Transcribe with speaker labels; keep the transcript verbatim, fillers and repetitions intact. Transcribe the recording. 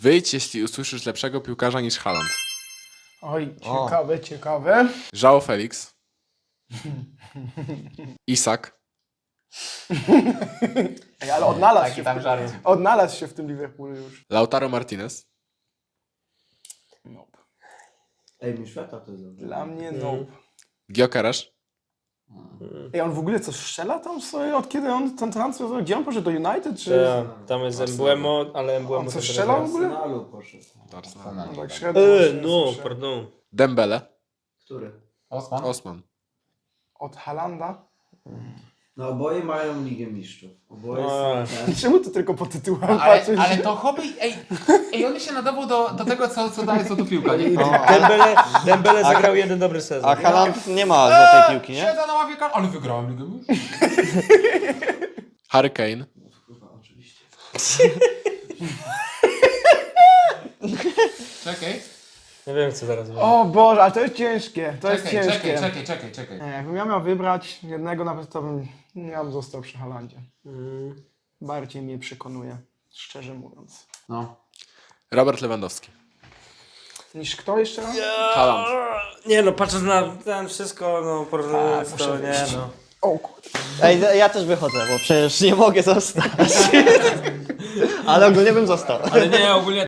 Speaker 1: Wyjdź, jeśli usłyszysz lepszego piłkarza niż Haaland.
Speaker 2: Oj,
Speaker 3: O.
Speaker 2: ciekawe, ciekawe.
Speaker 1: João Felix. Isak.
Speaker 2: Ej, ale odnalazł
Speaker 3: Taki
Speaker 2: się, w
Speaker 3: tam
Speaker 2: tym,
Speaker 3: żart.
Speaker 2: odnalazł się w tym Liverpoolu już.
Speaker 1: Lautaro Martinez.
Speaker 2: Nope.
Speaker 4: Ej, mi świata to jest dobrze.
Speaker 2: Dla mnie nope.
Speaker 1: Gyökeres.
Speaker 2: Ej, on w ogóle coś strzela tam sobie? Od kiedy on ten transfer zrobił? Gdzie on poszedł? Do United? Czy...
Speaker 5: Ta, tam jest Embuemo, ale Embuemo...
Speaker 2: On
Speaker 5: to
Speaker 2: coś
Speaker 5: teraz
Speaker 2: strzelał w
Speaker 5: jest.
Speaker 2: ogóle?
Speaker 4: Arsenalu poszedł.
Speaker 2: No, tak średnio
Speaker 5: E,
Speaker 2: właśnie
Speaker 5: no,
Speaker 2: słyszę.
Speaker 5: pardon.
Speaker 1: Dembele.
Speaker 4: Który?
Speaker 3: Osman?
Speaker 1: Osman.
Speaker 2: Od Halanda?
Speaker 4: No oboje mają Ligę Mistrzów. Oboje
Speaker 5: No.
Speaker 4: są ten.
Speaker 2: Czemu ty tylko po tytułach
Speaker 3: Ale,
Speaker 2: patrzysz?
Speaker 3: ale to hobby, ej, ej, on się nadawał do, do tego, co, co daje, co tu piłka, nie?
Speaker 5: Dembele, Dembele zagrał jeden dobry sezon.
Speaker 6: A Haaland nie ma złotej piłki, nie?
Speaker 3: Siedzę na ławie kar... ale wygrałem Ligę Mistrzów.
Speaker 1: Harry Kane.
Speaker 4: Kurwa, oczywiście.
Speaker 3: Czekaj,
Speaker 5: Nie wiem, co zaraz będzie.
Speaker 2: O Boże, ale to jest ciężkie. To jest
Speaker 3: czekaj,
Speaker 2: ciężkie.
Speaker 3: czekaj, czekaj, czekaj, czekaj.
Speaker 2: Nie, jakbym ja miał wybrać jednego, nawet to bym, ja bym został przy Halandzie.
Speaker 5: Mm.
Speaker 2: Bardziej mnie przekonuje, szczerze mówiąc.
Speaker 3: No.
Speaker 1: Robert Lewandowski.
Speaker 2: Niż kto jeszcze raz?
Speaker 1: Haaland.
Speaker 5: Nie no, patrząc na ten wszystko, no porównując to, nie no.
Speaker 2: O kurde.
Speaker 6: Ej, ja też wychodzę, bo przecież nie mogę zostać. Ale ogólnie bym został.
Speaker 5: Ale nie, ogólnie